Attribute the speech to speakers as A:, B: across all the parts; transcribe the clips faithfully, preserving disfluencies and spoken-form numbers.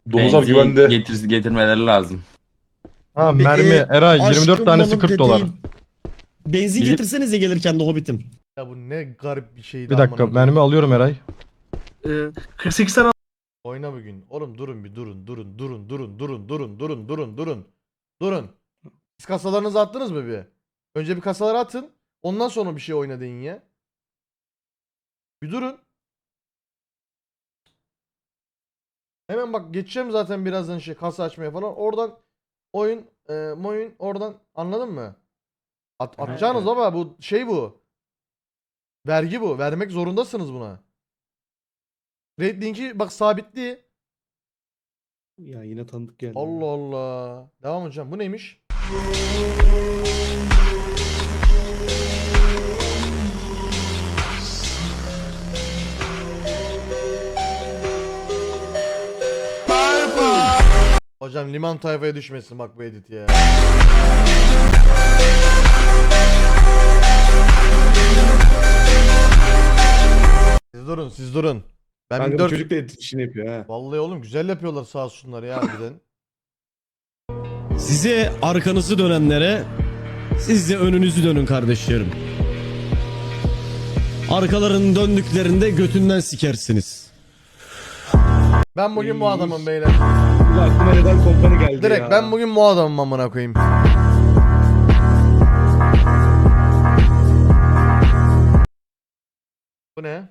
A: Domuzlar
B: Benzin
A: güvende.
B: getir, getirmeleri lazım.
C: Ha
D: Peki,
C: mermi Eray yirmi dört
D: aşkım
C: tanesi
D: balım
C: kırk dolar.
D: peteğim. Benzin
C: Gidip-
D: getirsenize gelirken de Hobbit'im.
E: Ya bu ne garip bir şeydi.
C: Bir dakika
E: amına koyayım.
C: mermi alıyorum Eray.
F: Ee, kırk sekiz tane
E: Oyna bugün. Oğlum durun bir durun durun durun durun durun durun durun durun durun. Durun. Siz kasalarınızı attınız mı bir? Önce bir kasaları atın. Ondan sonra bir şey oyna deyin ya. Bir durun. Hemen bak geçeceğim zaten birazdan şey kasa açmaya falan. Oradan oyun e, moyun oradan anladın mı? At, atacağınız baba bu şey bu. Vergi bu. Vermek zorundasınız buna. Raid linki bak sabitli.
D: Ya yine tanıdık geldi.
E: Allah Allah. Devam hocam. Bu neymiş? Hocam liman tayfaya düşmesin bak bu edit ya. Siz durun, siz durun. Ben
F: Kanka
E: bir
F: bu
E: dört...
F: çocuk da edit işini yapıyor ha.
E: Vallahi oğlum güzel yapıyorlar sağ olsunlar ya harbiden.
D: Size arkanızı dönenlere siz de önünüzü dönün kardeşlerim. Arkalarını döndüklerinde götünden sikersiniz.
E: Ben bugün bu adamım beyler.
F: Bu aklıma neden kompani geldi
E: Direkt
F: ya.
E: ben bugün bu adamım amına koyayım. Bu ne?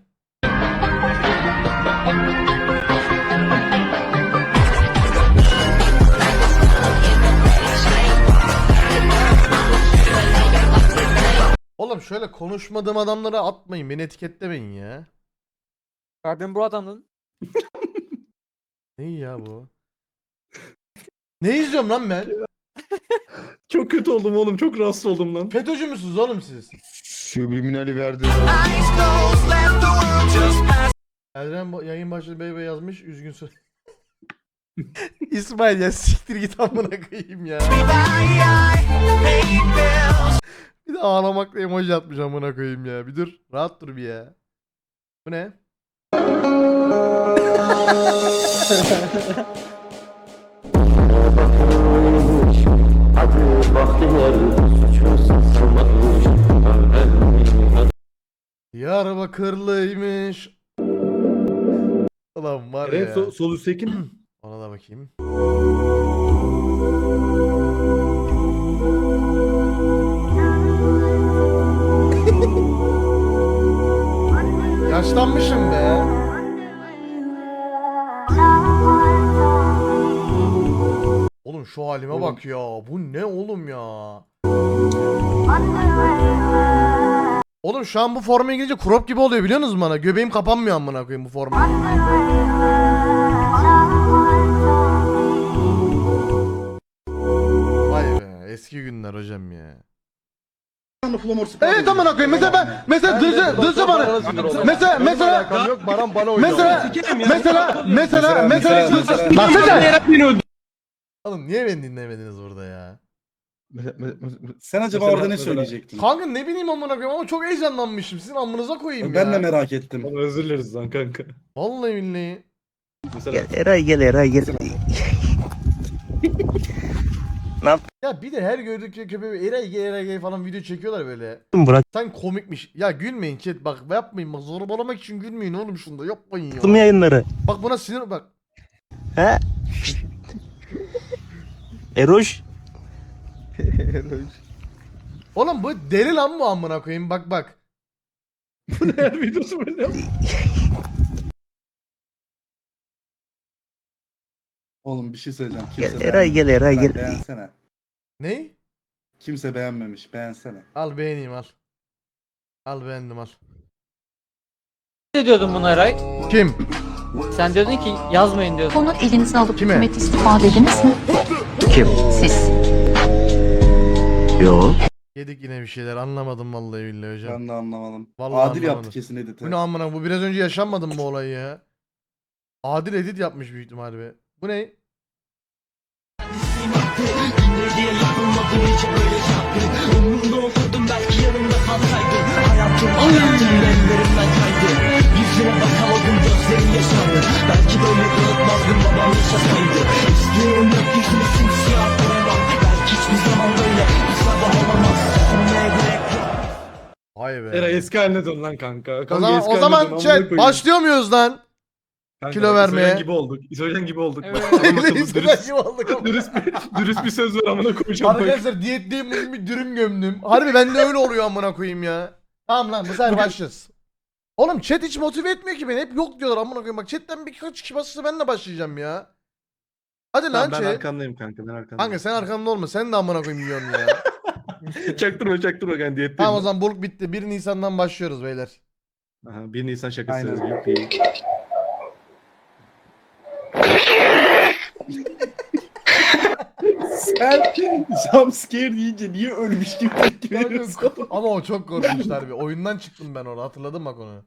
E: Oğlum şöyle konuşmadığım adamlara atmayın, beni etiketlemeyin ya.
G: Ben bu adamın
E: Ne ya bu? Ne izliyorum lan ben?
F: Çok kötü oldum oğlum, çok rahatsız oldum lan.
E: FETÖ'cü müsünüz oğlum siz?
H: Subliminali verdi.
E: Erdem ba- yayın başladı bey bey yazmış üzgün söyle. İsmail ya siktir git amına koyayım ya. Bir de ağlamakla emoji atmış amına koyayım ya. Bir dur rahat dur bir ya. Bu ne? Diyarbakırlıymış. Ulan var
F: Evet,
E: ya.
F: sol, sol üstteki mi?
E: Ona da bakayım. Yaşlanmışım be. Oğlum şu halime
F: Oğlum.
E: bak ya. Bu ne oğlum ya? Oğlum şu an bu forma girince crop gibi oluyor biliyor musunuz bana? Göbeğim kapanmıyor amına koyayım bu forma. Vay be eski günler hocam ya.
H: Evet amına koyayım. Mesela ben mesela dışı dışı bana. Mesela mesela
E: Yok Baran bana oynuyor.
H: mesela mesela mesela mesela lan sen
E: Oğlum niye beni dinlemediniz burada ya?
I: Sen acaba
F: Mesela-
I: orada ne
F: mesela-
I: söyleyecektin?
E: Kanka ne bileyim amına koyayım ama çok heyecanlanmışım. Sizin amınıza koyayım
I: Ben
E: ya.
I: de merak ettim.
F: Oğlum özür dileriz lan kanka.
E: Vallahi billahi.
F: Mesela
G: Eray gel Eray gel.
E: Ya bir de her gördükleri köpeği eray gay eray gay falan video çekiyorlar böyle.
G: Bırak.
E: Sen komikmiş. Ya gülmeyin chat bak yapmayın bak zorbalamak için gülmeyin oğlum şunda yapmayın ya.
G: Yayınları.
E: Bak buna sinir bak.
G: He? Eroş.
E: Oğlum bu deli lan bu amına koyayım bak bak.
F: her videosu böyle.
I: Oğlum bir şey söyleyeceğim. Kimse
G: Gel Eray gel Eray
I: beğenmemiş.
G: gel.
I: Beğensene.
E: Ney?
I: Kimse beğenmemiş. Beğensene.
E: Al beğeneyim al. Al beğendim al.
G: Ne diyordun buna Eray?
E: Kim?
G: Sen diyordun ki yazmayın diyordun.
J: Onu elinize alıp
E: Kime?
J: hükümet istifa dediniz mi?
G: Kim?
J: Siz.
G: Yo.
E: Yedik yine bir şeyler anlamadım vallahi billahi hocam.
I: Ben de anlamadım.
E: Vallahi
I: Adil
E: anlamadım.
I: yaptı kesin editi.
E: Bu ne amına bu biraz önce yaşanmadı mı bu olay ya? Adil edit yapmış büyük ihtimalle be. Bu ne?
G: Yüzüne bakamadım gözlerim yaşardı. Belki böyle unutmazdım babam yaşasaydı.
E: be.
F: Eray eski haline dön lan kanka. kanka
E: O zaman,
F: eski
E: o
F: haline
E: zaman
F: dön, amına
E: chat
F: koyayım.
E: başlıyor muyuz lan?
F: Kanka,
E: kilo vermeye.
F: İsojen gibi olduk. İsojen gibi olduk.
G: Evet.
F: Bak, adam akıllı,
E: Neyse,
F: dürüst,
E: gibi olduk ama.
F: dürüst, bir, dürüst bir söz ver amına koyacağım. bak.
E: Arkadaşlar diyetteyim bugün bir dürüm gömdüm. Harbi bende öyle oluyor amına koyayım ya. Tamam lan bu sefer başlarız. Oğlum chat hiç motive etmiyor ki beni. Hep yok diyorlar amına koyayım. Bak chatten birkaç kişi basırsa ben de başlayacağım ya. Hadi lan
F: Tamam, ben
E: chat.
F: arkandayım kanka ben arkandayım.
E: Kanka sen arkamda olma. Sen de amına koyayım yiyorsun ya.
F: Çaktırma çaktırma kanka diyetteyim.
E: Tamam o
F: ben.
E: zaman bulk bitti. bir Nisan'dan başlıyoruz beyler.
F: Aha, bir Nisan şakası.
I: Aynen.
F: Yuppie.
I: Sen jumpscare deyince niye ölmüş gibi tepki veriyorsun?
E: Ama o çok korkunçlar bir. Oyundan çıktım ben orada. Hatırladım bak onu.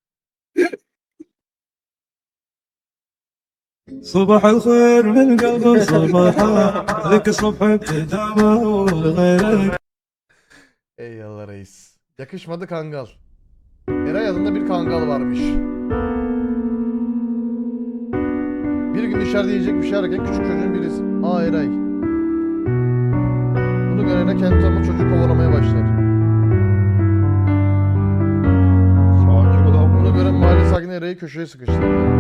A: صباح الخير من قلب صباحا ذيك الصبح ابتدامه وغيرك.
E: Eyvallah reis. Yakışmadı kangal. Eray adında bir kangal varmış. Bir gün dışarıda yiyecek bir şey ararken küçük çocuğun birisi. Aa Eray. Bunu görene kendi ama çocuk kovalamaya başlar.
F: Sakin ol amına.
E: Bunu gören mahalle sakini Eray'ı köşeye sıkıştırdı.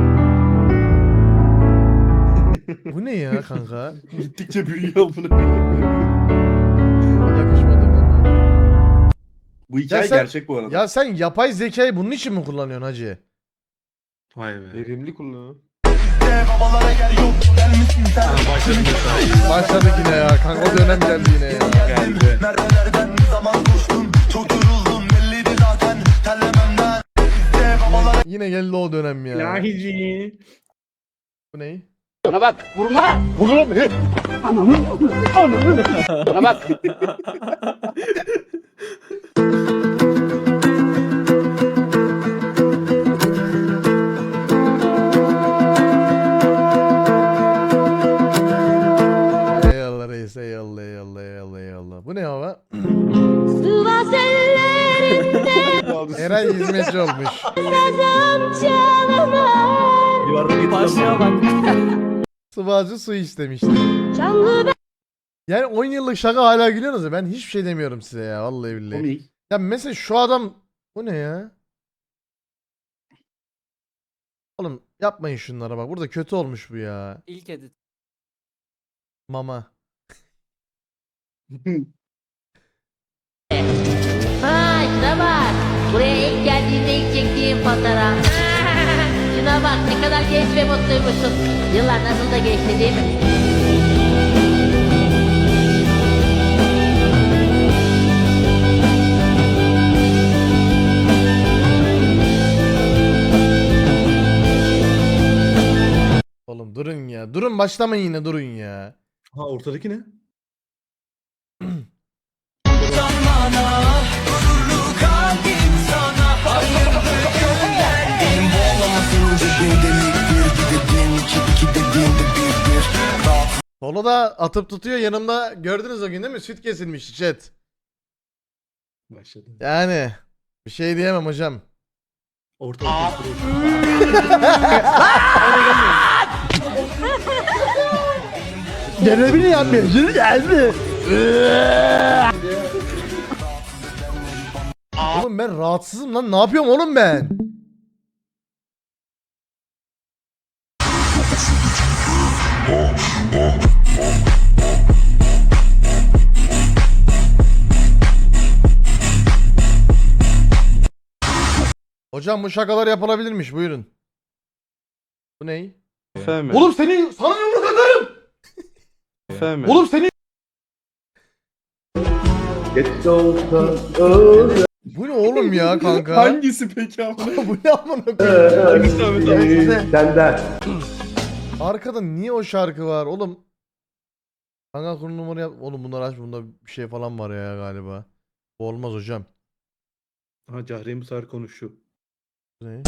E: Bu ne ya kanka?
I: Gittikçe büyüyor bunu.
E: Yakışmadı kanka.
I: Bu hikaye
E: Ya sen-
I: gerçek bu arada.
E: Ya sen yapay zekayı bunun için mi kullanıyorsun hacı?
F: Vay be.
H: Verimli kullanıyor.
F: Ha, başladım mesela.
E: Başladık yine ya. Kanka o dönem geldi yine ya.
F: Geldi.
E: Yine geldi o dönem ya.
F: Lahici.
E: Bu ne?
H: Bana bak vurma. Vururum. Bana bak.
E: Eyvallah reis eyvallah eyvallah eyvallah eyvallah. Bu ne hava? Eray hizmetçi olmuş.
F: Yuvarda git.
G: Başlıyor bak.
E: Sıvacı su istemişti. Yani on yıllık şaka hala gülüyorsunuz ya. Ben hiçbir şey demiyorum size ya. Vallahi billahi.
I: Komik.
E: Ya mesela şu adam... Bu ne ya? Oğlum yapmayın şunlara bak. Burada kötü olmuş bu ya.
G: İlk edit.
E: Mama.
B: Ha şuna bak. Buraya ilk geldiğinde ilk çektiğim fotoğraf. Şuna bak ne kadar genç ve mutluymuşsun. Yıllar nasıl da geçti değil mi?
E: Oğlum durun ya. Durun başlamayın yine durun ya.
F: Ha ortadaki ne?
E: Solo da atıp tutuyor yanımda. Gördünüz o gün değil mi? Süt kesilmişti chat.
F: Başladı.
E: Yani bir şey diyemem hocam.
F: Ortalık.
H: Görevini yapmıyorsun geldi.
E: Oğlum ben rahatsızım lan. Ne yapıyorum oğlum ben? Hocam bu şakalar yapılabilirmiş. Buyurun. Bu ne?
H: Efendim.
E: Oğlum seni sana yumruk atarım.
H: Efendim.
E: Oğlum seni Bu ne oğlum ya kanka?
I: Hangisi peki amına?
E: Bu ne amına koyayım?
F: Hangisi Ahmet abi?
H: Senden.
E: Arkada niye o şarkı var oğlum? Kanka konu numara yap. Oğlum bunlar aç bunda bir şey falan var ya galiba. Bu olmaz hocam.
F: Ha Cahre'nin bu sefer konuşuyor.
E: Bu ne?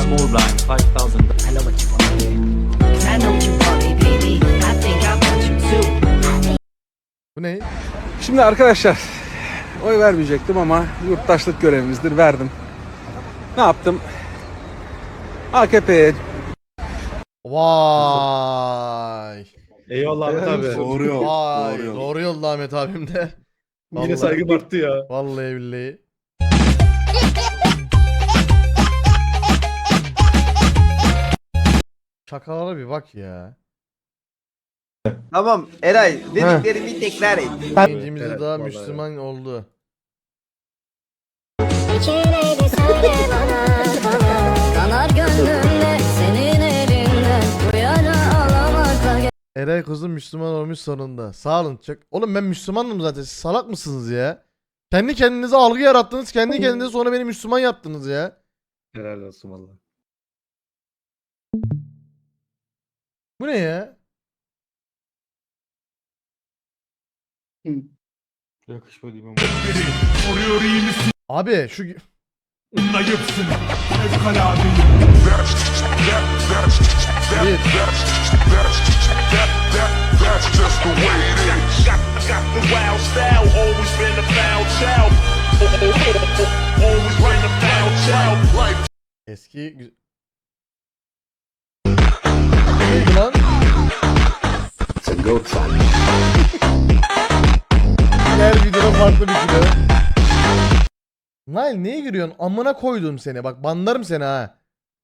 E: Bu ne?
H: Şimdi arkadaşlar oy vermeyecektim ama yurttaşlık görevimizdir verdim. Ne yaptım? A K P'ye
E: Vay.
F: Eyvallah Ahmet abi.
I: Doğru yol.
E: Vay.
I: Doğru yol.
E: Doğru yolda Ahmet abim de.
F: Yine
E: Vallahi-
F: saygı arttı ya.
E: Vallahi billahi. Şakalara bir bak ya.
K: Tamam Eray dediklerimi tekrar et.
E: Gencimiz
F: Evet,
E: daha
F: vallahi
E: Müslüman oldu.
J: Kanar gönlümde senin elinden bu yana alamakla.
E: Eray kızım Müslüman olmuş sonunda. Sağ olun çok. Oğlum ben Müslümanım zaten. Siz salak mısınız ya? Kendi kendinize algı yarattınız. Kendi kendinize sonra beni Müslüman yaptınız ya.
F: Helal olsun valla.
E: Bu ne ya?
C: Yakışmadı imam.
E: Abi şu
A: Zayıfsın. Fevkalade.
E: bir. Eski gü- Neydi lan? Her videoda farklı bir kilo. Nail neye giriyorsun? Amına koydum seni. Bak banlarım seni ha.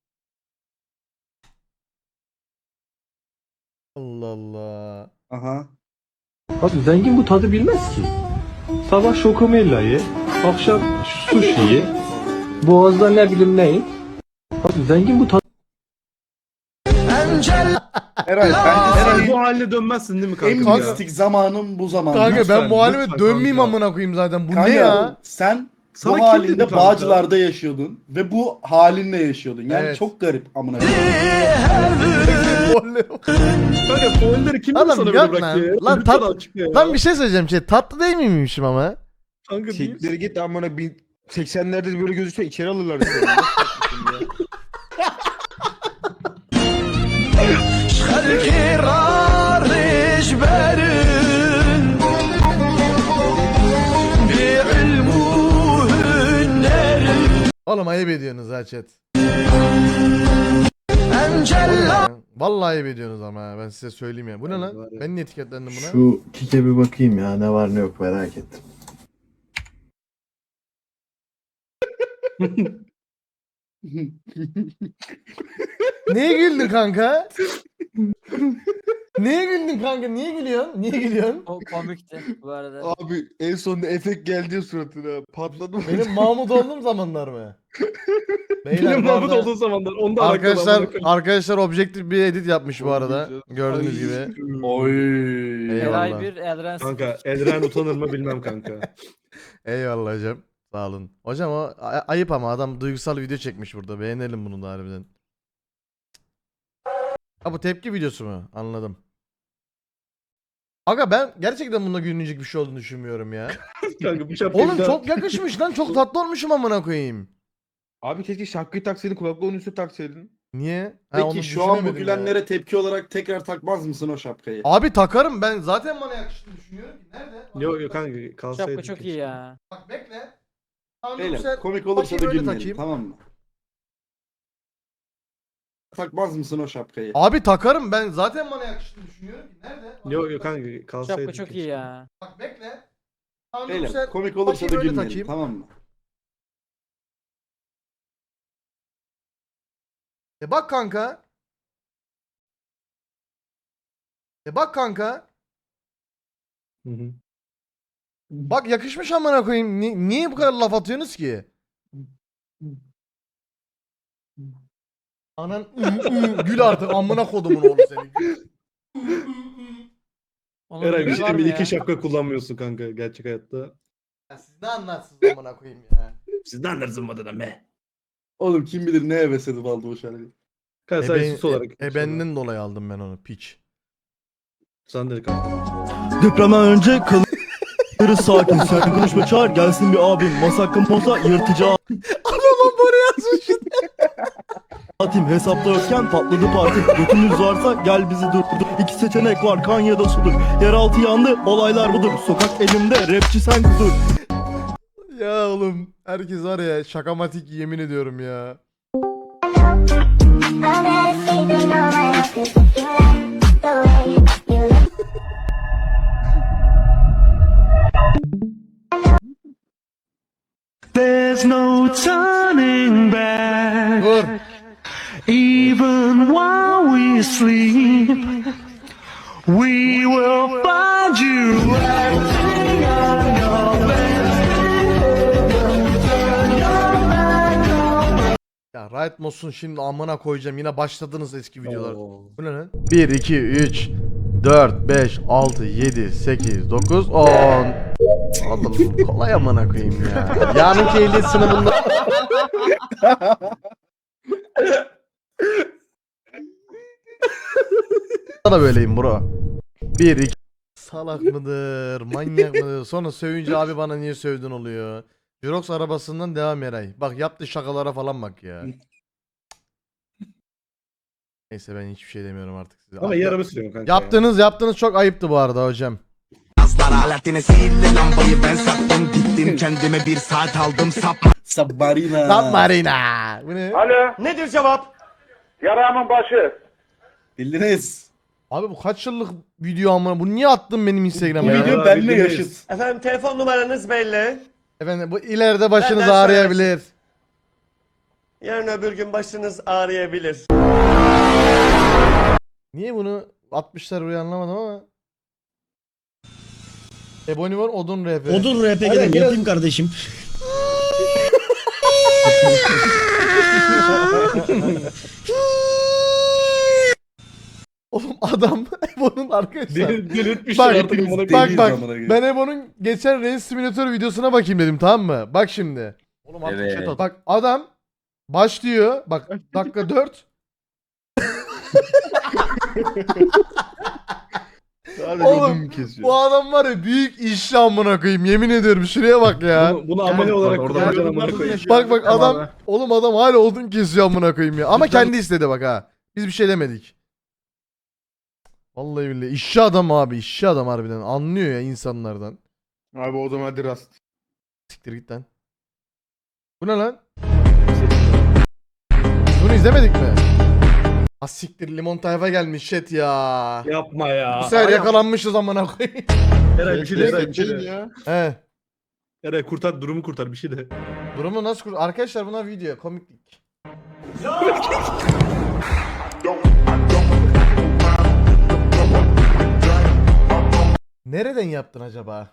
E: Allah Allah.
I: Aha.
F: Abi zengin bu tadı bilmez ki. Sabah şokomella ye, akşam sushi ye, boğazda ne bileyim ne ye. Abi zengin bu tadı...
I: Eray bence
F: Eray
I: senin
F: bu haline dönmezsin değil mi kanka?
I: en
E: Kanka-
I: mistik zamanın bu zaman.
E: Kanka ben
F: lütfen,
E: bu halime
F: lütfen
E: dönmeyeyim
F: kanka.
E: amına koyayım zaten. Bu
I: Kanka,
E: ne ya?
I: sen
F: Sana
I: bu
F: kim
I: halinde
F: dedi kanka?
I: Bağcılar'da yaşıyordun ve bu halinle yaşıyordun. Yani
E: Evet.
I: çok garip amına koyayım.
F: Kanka foilleri kim
E: Adam
F: sana böyle
E: yok
F: bırakıyor ya?
E: lan. Lan
F: Lütfen
E: tat-
F: açıkla ya.
E: Lan bir şey söyleyeceğim şey. Tatlı değil miymişim ama?
F: Kanka değil.
C: Siktir git amına bin seksenlerde böyle gözükse içeri alırlar seni.
E: Oğlum ayıp ediyorsunuz ha chat. Vallahi ayıp ediyorsunuz ama ha, ben size söyleyeyim ya. Bu ne lan? Ben niye etiketlendim buna?
A: Şu kike bir bakayım ya ne var ne yok merak ettim.
E: Neye güldün kanka? Neye güldün kanka? Niye gülüyorsun? Niye gülüyorsun?
G: O komikti bu arada.
C: Abi en sonunda efekt geldi ya suratına. Patladı mı?
E: Benim Mahmut olduğum zamanlar mı? Beyler,
F: Benim
E: bu
F: Mahmut
E: arada-
F: olduğu zamanlar onda
E: Arkadaşlar arkadaşlar objektif bir edit yapmış bu arada. Gördüğünüz gibi.
I: Oy.
E: Eyvallah.
G: Eray bir, Elren sıfır.
F: Kanka Elren utanır mı bilmem kanka.
E: Eyvallah hocam. Sağ olun. Hocam o a- ayıp ama adam duygusal video çekmiş burada. Beğenelim bunu da harbiden. Ha bu tepki videosu mu? Anladım. Aga ben gerçekten bunda gülünecek bir şey olduğunu düşünmüyorum ya.
F: Kanka bu şapkayı
E: Oğlum
F: bir daha-
E: çok yakışmış lan. Çok tatlı olmuşum amına koyayım.
C: Abi keşke şapkayı taksaydın kulaklığın üstüne taksaydın.
E: Niye? Ha, onu
I: Peki şu an bu
E: düşünemedim ya.
I: gülenlere tepki olarak tekrar takmaz mısın o şapkayı?
E: Abi takarım ben. Zaten bana yakıştığını düşünüyorum ki. Nerede? Bak,
F: Yok yok kanka kalsaydı.
G: Şapka çok iyi ya.
E: Bak bekle. Tamam, dur
I: Beyler
E: sen-
I: komik olursa da
E: bakayım, öyle
I: gülmeyelim
E: takayım.
I: tamam mı? Takmaz mısın o şapkayı?
E: Abi takarım ben. Zaten bana yakıştığını düşünüyorum ki. Nerede? Bak,
F: Yok yok kanka kalsaydı.
G: Şapka çok iyi ya.
E: Bak bekle. Tamam, dur
I: Beyler
E: sen-
I: komik olursa da
E: bakayım, öyle
I: gülmeyelim
E: takayım.
I: tamam mı?
E: E bak kanka. E bak kanka.
F: Hı hı.
E: Bak yakışmış amına koyayım. Ni- niye bu kadar laf atıyorsunuz ki? Anan ı, ı, gül artık amına kodumun oğlu seni.
G: Onun
F: Eray
G: gibi
F: bir şey
G: var mı
F: bir
G: ya?
F: iki şapka kullanmıyorsun kanka gerçek hayatta.
E: Ya siz ne anlarsınız amına koyayım ya.
F: Siz ne anlarsın adına be?
I: Oğlum kim bilir ne heves edip aldı o şarkıyı.
F: Kanka
E: E,
F: sadece
E: ben,
F: sus olarak.
E: e, e benden dolayı aldım ben onu piç.
F: Sen de kanka.
A: Depremden önce kalırız sakin. Sen konuşma çağır gelsin bir abim. Masakın poza yırtıcı
E: Adamım buraya yazmış.
A: atayım. Hesapta yokken patladı parti. Götünüz varsa gel bizi durdur. İki seçenek var kan ya da sudur. Yeraltı yandı olaylar budur. Sokak elimde rapçi sen kudur.
E: Ya oğlum herkes var ya şakamatik yemin ediyorum ya.
A: There's no turning back.
E: Dur.
A: Even while we sleep, we will find you.
E: Ya Riot Mods'un şimdi amına koyacağım. Yine başladınız eski videolar. Bu ne lan? bir, iki, üç, dört, beş, altı, yedi, sekiz, dokuz, on. Oğlum kolay amına koyayım ya. Yarınki ehliyet sınavında. da böyleyim bro. bir, iki. Salak mıdır? Manyak mıdır? Sonra sövünce abi bana niye sövdün oluyor. Jirox arabasından devam Eray. Bak yaptığı şakalara falan bak ya. Neyse ben hiçbir şey demiyorum artık size.
I: Ama iyi araba sürüyorum kanka.
E: Yaptığınız yaptığınız çok ayıptı bu arada hocam.
I: Submarina.
E: Submarina. Bu ne?
C: Alo. Nedir cevap? Yaramın başı.
I: Bildiniz.
E: Abi bu kaç yıllık video ama bu niye attın benim
I: Bu
E: Instagram'a ya?
I: video benimle
C: bildiniz.
I: yaşıt.
K: Efendim telefon numaranız belli.
E: Efendim bu ileride başınız
K: Benden
E: ağrıyabilir.
K: Yarın öbür gün başınız ağrıyabilir.
E: Niye bunu atmışlar buraya anlamadım ama. Ebony var odun R P.
D: Odun R P G'den yapayım kardeşim.
E: Oğlum adam Ebon'un arkadaşlar.
I: Del- Delirtmişler
E: Bak
I: artık. amına
E: bak
I: koyayım.
E: bak
I: Amına koyayım.
E: ben Ebon'un geçen Race Simulator videosuna bakayım dedim tamam mı? Bak şimdi. Oğlum artık
C: Evet.
E: chat at. Bak adam başlıyor. Bak dakika dört.
C: Sadece
E: Oğlum,
C: odun kesiyor.
E: Bu adam var ya büyük iş amına koyayım yemin ediyorum şuraya bak ya.
I: Bunu, bunu amele olarak
C: orada
I: kullanacağım
C: bunlar
I: amına
C: da
I: koyayım.
C: yaşıyor.
E: Bak bak adam oğlum adam hala odun kesiyor amına koyayım ya. Ama kendi istedi bak ha. Biz bir şey demedik. Vallahi billahi işçi adam abi işçi adam harbiden anlıyor ya insanlardan.
C: Abi o zaman hadi rast.
E: Siktir git lan. Bu ne lan? Bunu izlemedik mi? Ha siktir limon tayfa gelmiş chat ya.
I: Yapma ya.
E: Bu sefer yakalanmışız amına koyayım.
I: Eray bir şey de Eray, bir şey
C: Gelin
I: de.
C: ya.
E: He.
I: Eray kurtar durumu kurtar bir şey de.
E: Durumu nasıl kur... Arkadaşlar buna video komiklik. Nereden yaptın acaba?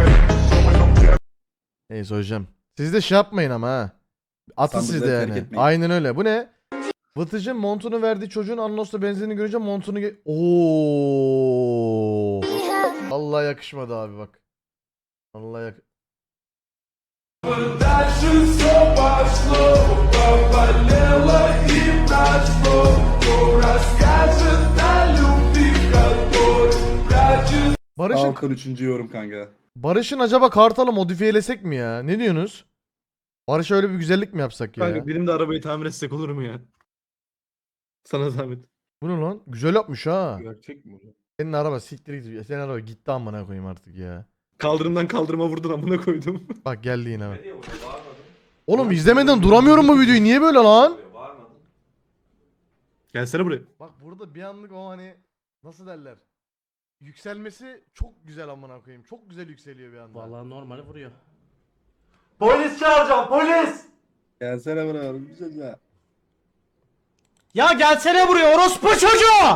E: Neyse hocam. Siz de şey yapmayın ama ha. Atın
I: Sandıkları
E: siz de
I: terk
E: yani.
I: etmeyin.
E: Aynen öyle. Bu ne? Vıtıcın montunu verdiği çocuğun anonsla benzerini görünce montunu ge- Oo. Vallahi yakışmadı abi bak. Vallahi yak... Barış'ın
I: Alkan üçüncü yorum kanka.
E: Barış'ın acaba Kartal'ı modifiyelesek mi ya? Ne diyorsunuz? Barış'a öyle bir güzellik mi yapsak ya?
I: Kanka benim de arabayı tamir etsek olur mu ya? Sana zahmet.
E: Bu ne lan? Güzel yapmış ha.
C: Gerçek mi?
E: Senin araba siktir git. Senin araba gitti amına koyayım artık ya.
I: Kaldırımdan kaldırıma vurdun amına koydum.
E: Bak geldi yine bak. Oğlum izlemeden duramıyorum bu videoyu. Niye böyle lan?
I: Gelsene buraya.
E: Bak burada bir anlık o hani nasıl derler? Yükselmesi çok güzel amına koyayım. Çok güzel yükseliyor bir anda.
D: Vallahi normali vuruyor.
A: Polis çağıracağım polis.
I: Gelsene buraya. Güzel ya.
D: Ya gelsene buraya orospu çocuğu!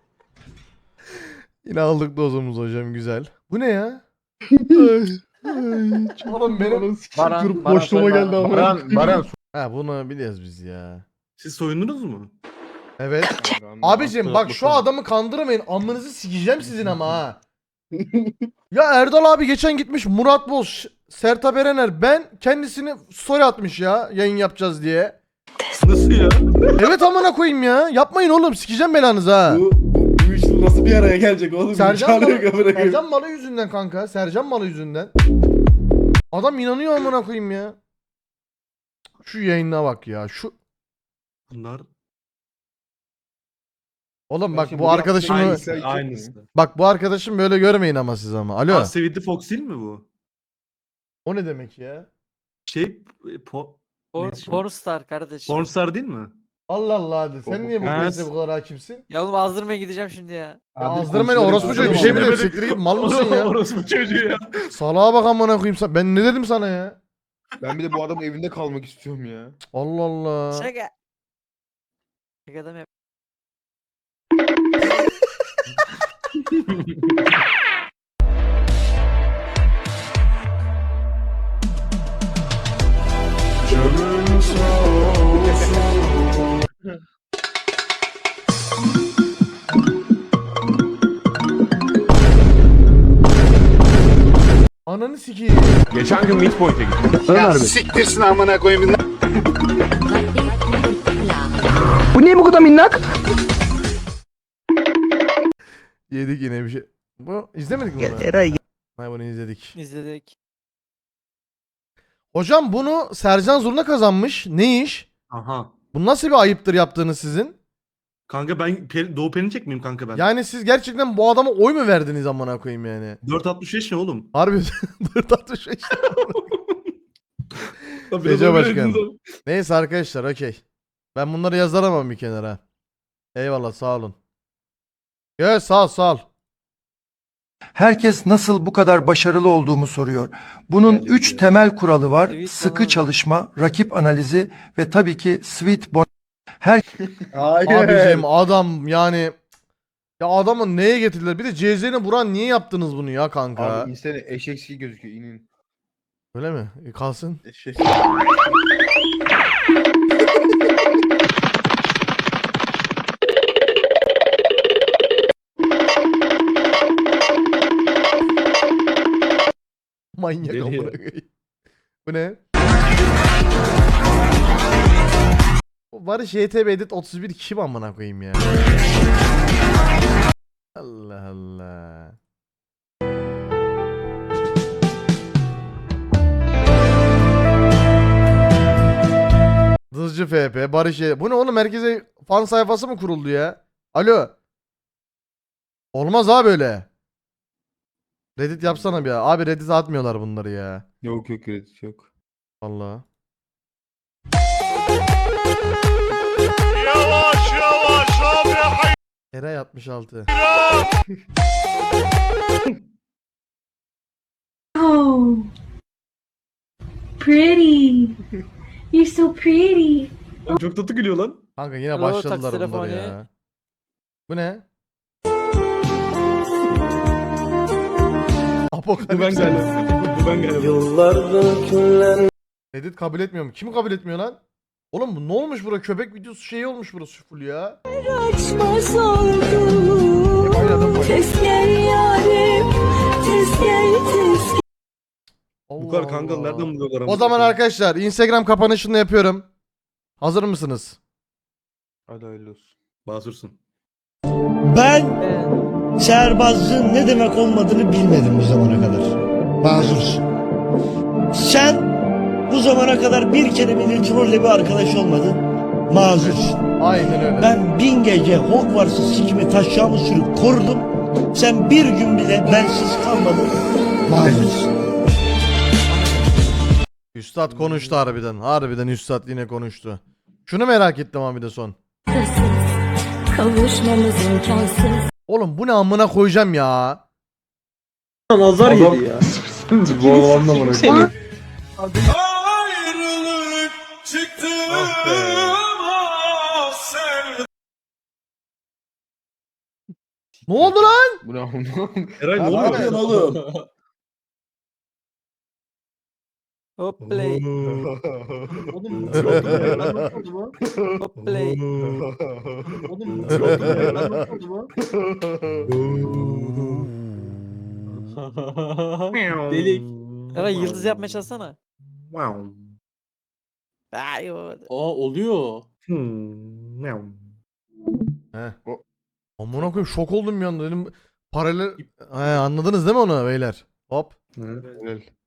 E: Yine aldık dozumuzu hocam güzel. Bu ne ya? Oğlum benim
G: Baran,
C: Durup
G: Baran
C: boşluğuma
G: söyle.
C: geldi ama. Baran, Baran.
E: ha bunu biliyoruz biz ya.
I: Siz soyundunuz mu?
E: Evet. Abicim bak şu adamı kandırmayın. Amınızı sikeceğim sizin ama ha. Ya Erdal abi geçen gitmiş Murat Boz, Sertab Erener ben kendisini story atmış ya yayın yapacağız diye.
I: Nasıl ya?
E: Evet amına koyayım ya. Yapmayın oğlum sikeceğim belanızı ha.
I: Bu, bu, bu üçlü nasıl bir araya gelecek oğlum?
E: Sercan
I: Çağırıyor
E: Malı,
I: amına koyayım.
E: Sercan Malı yüzünden kanka. Sercan Malı yüzünden. Adam inanıyor amına koyayım ya. Şu yayına bak ya. Şu
I: Bunlar
E: Oğlum
C: Ben
E: bak
C: şimdi
E: bu
C: bunu
E: arkadaşımı
C: yapsam-
I: aynısı. Aynısı.
E: bak bu arkadaşım böyle görmeyin ama siz ama. Alo.
I: Aa, Sevinti Fox değil mi bu?
E: O ne demek ya?
I: Şey, e, po,
G: Por,
I: Neyse.
G: Pornstar kardeşim.
I: Pornstar değil mi?
E: Allah Allah hadi. Sen niye bu
I: Ha,
E: krizde bu kadar hakimsin?
G: Ya oğlum azdırmaya gideceğim şimdi ya.
E: Ya
I: Abi,
E: azdırma beni
I: komşuları
E: orospu çocuğu bir şey mi
I: azdırma.
E: dedim? Siktir git mal mısın ya?
I: Orospu çocuğu ya.
E: Salağa bak amına koyayım sen. Ben ne dedim sana ya?
C: Ben bir de bu adamın evinde kalmak istiyorum ya.
E: Allah Allah.
G: Şaka. Şaka da mı yap-
E: Ananı sikeyim.
H: Geçen gün Midpoint'e gittim.
C: Ya siktirsin amına koyayım. Bu niye bu kadar minnak?
E: Yedik yine bir şey. Bu izlemedik mi bunu?
A: Eray
E: Hayır bunu izledik.
G: İzledik.
E: Hocam bunu Sercan Zurna kazanmış. Ne iş?
I: Aha.
E: Bu nasıl bir ayıptır yaptığınız sizin?
I: Kanka ben Pe- Doğu Perinçek miyim kanka ben?
E: Yani siz gerçekten bu adama oy mu verdiniz amına koyayım yani?
I: dört altmış beş ne oğlum?
E: Harbi dört altmış beş.
I: Tabii,
E: Gece
I: biraz
E: başkan.
I: öyle dediniz
E: Neyse arkadaşlar okey. Ben bunları yazaramam bir kenara. Eyvallah sağ olun. Evet sağ ol sağ ol.
F: Herkes nasıl bu kadar başarılı olduğumu soruyor. Bunun üç temel kuralı var.
G: Evet,
F: Sıkı
G: tamam.
F: çalışma, rakip analizi ve tabii ki sweet bon. Her
C: Hayır.
E: Abicim adam yani ya adamı neye getirdiler? Bir de C Z'ni vuran niye yaptınız bunu ya kanka?
C: Abi insene eşek gibi gözüküyor inin.
E: Öyle mi? E, kalsın.
C: Eşek.
E: Manyak
I: Deli
E: amına
I: ya.
E: koyayım. Bu ne? Barış Y T B Edit otuz bir kim amına koyayım ya? Allah Allah. Dızcı F P, Barış Y. Bu ne oğlum, merkeze fan sayfası mı kuruldu ya? Alo. Olmaz abi öyle. Reddit yapsana bir ya. Abi Reddit atmıyorlar bunları ya.
C: Yok yok kredi yok.
E: Vallahi. Eray altmış altı.
J: Oh, pretty. You're so pretty.
I: Lan çok tatlı gülüyor lan.
E: Kanka yine
G: Alo,
E: başladılar
G: taksi
E: bunlar
G: telefonu.
E: ya. Bu ne?
I: Bu ben
E: Apokalips.
I: galiba. Bu ben galiba.
E: Reddit kabul etmiyor mu? Kim kabul etmiyor lan? Oğlum bu ne olmuş bura? Köpek videosu şeyi olmuş burası full ya.
J: Açmaz oldum. Ses gel yarim. Ses gel ses gel.
I: Bu kadar kanka
E: Allah.
I: nereden buluyorlar?
E: O zaman arkadaşlar Instagram kapanışını yapıyorum. Hazır mısınız?
C: Hadi hayırlı olsun.
I: Basursun.
D: Ben
G: Evet.
D: şehrbazlığın ne demek olmadığını bilmedim bu zamana kadar. Mazursun. Sen bu zamana kadar bir kere bile trolle bir arkadaş olmadın. Mazursun.
E: Aynen öyle.
D: Ben bin gece Hogwarts'ı sikimi taşacağımı sürüp korudum. Sen bir gün bile bensiz kalmadın. Mazursun.
E: Üstad konuştu harbiden. Harbiden Üstad yine konuştu. Şunu merak ettim abi de son.
J: Kavuşmamız imkansız.
E: Oğlum bu ne amına koyacağım ya.
I: Nazar yedi ya.
C: Bu anlamına geliyor.
E: Ne oldu lan?
C: Bu ne amına?
I: Eray ne oluyor oğlum?
G: Hop play.
I: Oğlum nasıl oldu bu ya? Lan nasıl oldu bu?
G: Hop play.
I: Oğlum nasıl oldu bu ya? Lan nasıl oldu bu?
G: Delik. Eray yıldız yapmaya çalışsana.
I: Wow.
G: Ay o.
I: Aa oluyor. Hmm. Meow.
E: He. Amına koyayım şok oldum bir anda dedim. Paralel. He, anladınız değil mi onu beyler? Hop.
C: Helal.